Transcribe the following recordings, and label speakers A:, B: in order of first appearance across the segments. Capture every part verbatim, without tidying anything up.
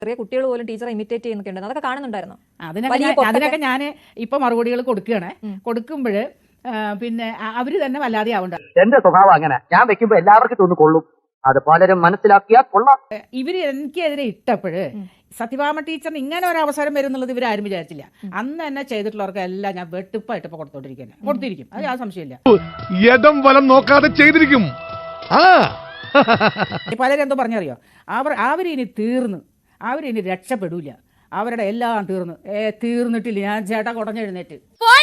A: ചെറിയ കുട്ടികൾ പോലും ടീച്ചറെ ഇമിറ്റേറ്റ് ചെയ്യുന്നൊക്കെ അതൊക്കെ കാണുന്നുണ്ടായിരുന്നു.
B: അതിനൊക്കെ അതിനൊക്കെ ഞാൻ ഇപ്പൊ മറുപടികൾ കൊടുക്കുകയാണ്. കൊടുക്കുമ്പോൾ പിന്നെ അവര് തന്നെ വല്ലാതെ ആവണ്ട.
C: എന്റെ സ്വഭാവം അങ്ങനെ, ഞാൻ വെക്കുമ്പോ എല്ലാവർക്കും തോന്നു കൊള്ളും, അത് പലരും മനസ്സിലാക്കിയാൽ കൊള്ളാം.
B: ഇവര് എനിക്കെതിരെ ഇട്ടപ്പോഴ് സത്യഭാമ ടീച്ചറിന് ഇങ്ങനെ ഒരു അവസരം വരും എന്നുള്ളത് ഇവരാരും വിചാരിച്ചില്ല. അന്ന് തന്നെ ചെയ്തിട്ടുള്ളവർക്ക് എല്ലാം ഞാൻ വെട്ടിപ്പായിട്ട് ഇപ്പൊ കൊടുത്തോണ്ടിരിക്കുന്നത് കൊടുത്തിരിക്കും, അത് ആ സംശയമില്ല.
D: യദം വലം നോക്കാതെ ചെയ്തിരിക്കും.
B: പലരും എന്തോ പറഞ്ഞറിയോ, അവർ അവരിനി തീർന്നു, അവരിനി രക്ഷപ്പെടൂല, അവരുടെ എല്ലാം തീർന്നു. ഏ തീർന്നിട്ടില്ല. ഞാൻ ചേട്ടാ കുടഞ്ഞെഴുന്നേറ്റ്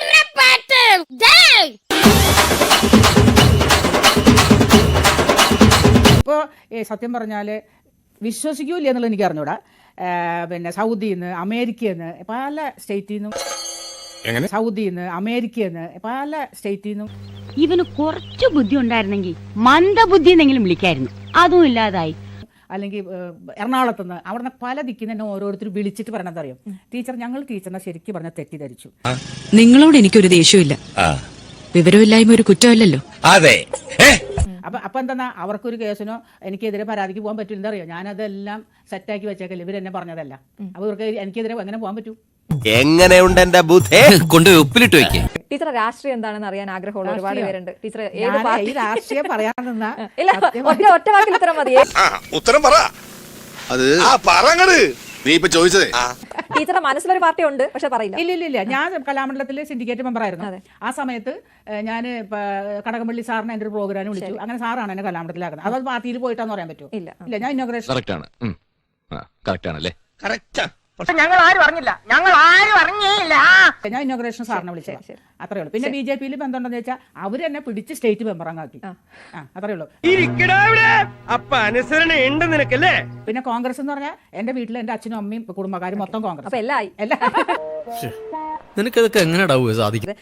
B: ഇപ്പോൾ സത്യം പറഞ്ഞാൽ വിശ്വസിക്കൂല എന്നുള്ളത് എനിക്ക് അറിഞ്ഞൂടാ. പിന്നെ സൗദിയിൽ നിന്ന് അമേരിക്കയിൽ നിന്ന് പല സ്റ്റേറ്റിൽ നിന്നും സൗദിയിൽ നിന്ന് അമേരിക്കയിൽ നിന്ന് പല സ്റ്റേറ്റിൽ നിന്നും
E: ഇവന് കുറച്ച് ബുദ്ധി ഉണ്ടായിരുന്നെങ്കിൽ മന്ദബുദ്ധി എന്നെങ്കിലും വിളിക്കായിരുന്നു, അതും ഇല്ലാതായി.
B: അല്ലെങ്കിൽ എറണാകുളത്ത് നിന്ന് അവിടെ നിന്ന് പല ദിക്കിൽ തന്നെ ഓരോരുത്തർ വിളിച്ചിട്ട് പറയണത് അറിയാം, ടീച്ചർ ഞങ്ങൾ ടീച്ചറിനെ ശരിക്കും പറഞ്ഞ തെറ്റിദ്ധരിച്ചു.
F: നിങ്ങളോട് എനിക്കൊരു ദേഷ്യമില്ല, വിവരമില്ലായ്മ ഒരു കുറ്റമല്ലല്ലോ.
G: അതെ.
B: അപ്പൊ അപ്പൊ എന്താ അവർക്കൊരു കേസിനോ എനിക്കെതിരെ പരാതിക്ക് പോകാൻ പറ്റില്ല. എന്താ അറിയോ, ഞാനതെല്ലാം സെറ്റാക്കി വെച്ചേക്കല്ലേ, ഇവരെന്നെ പറഞ്ഞതല്ല. അപ്പൊ ഇവർക്ക് എനിക്കെതിരെ എങ്ങനെ പോകാൻ പറ്റൂ?
G: എങ്ങനെയുണ്ട് എന്റെ ബുദ്ധി? കൊണ്ട് ഉപ്പിലിട്ട് വെക്കേ.
A: ടീച്ചർ രാഷ്ട്രീയം എന്താണെന്ന് അറിയാൻ ആഗ്രഹമുള്ള ഒരുപാട് പേരുണ്ട്. ടീച്ചർ
B: ഈ രാഷ്ട്രീയം പറയാൻ നിന്നാ
A: ഒറ്റ വാക്കിൽ ഉത്തരം മതി.
G: ഉത്തരം പറ. അത് പറങ്ങട് നീ ഇപ്പൊ ചോദിച്ചതേ.
A: ടീച്ചറുടെ മനസ്സിലൊരു പാർട്ടി ഉണ്ട്, പക്ഷെ പറയില്ല.
B: ഇല്ല ഇല്ല ഇല്ല ഞാൻ കലാമണ്ഡലത്തിലെ സിൻഡിക്കേറ്റ് മെമ്പർ ആയിരുന്നു. ആ സമയത്ത് ഞാൻ കടകംപള്ളി സാറിനെ എന്റെ ഒരു പ്രോഗ്രാം വിളിച്ചു. അങ്ങനെ സാറാണ് എന്നെ കലാമണ്ഡലത്തിലാക്കുന്നത്. അത് പാർട്ടിയിൽ പോയിട്ടാന്ന് പറയാൻ പറ്റുമോ? ഇല്ല ഇല്ല ഞാൻ ഇന്നോഗ്രേഷൻ
H: ഞങ്ങൾ ആരും അറിഞ്ഞില്ല ഞങ്ങൾ ആരും അറിഞ്ഞില്ല
B: ഞാൻ ഇന്നോഗ്രേഷൻ സാറിനെ വിളിച്ചത്. അത്രേ ഉള്ളൂ. പിന്നെ ബി ജെ പിയിൽ ബന്ധമുണ്ടെന്ന് വെച്ചാൽ അവര് എന്നെ പിടിച്ച് സ്റ്റേറ്റ് മെമ്പറാക്കി. അത്രേ ഉള്ളൂ. പിന്നെ കോൺഗ്രസ് എന്ന് പറഞ്ഞാൽ എന്റെ വീട്ടിൽ എന്റെ അച്ഛനും അമ്മയും കുടുംബക്കാരും മൊത്തം കോൺഗ്രസ്.
A: അപ്പൊ എല്ലാം
I: നിനക്കതൊക്കെ എങ്ങനെ സാധിക്കും?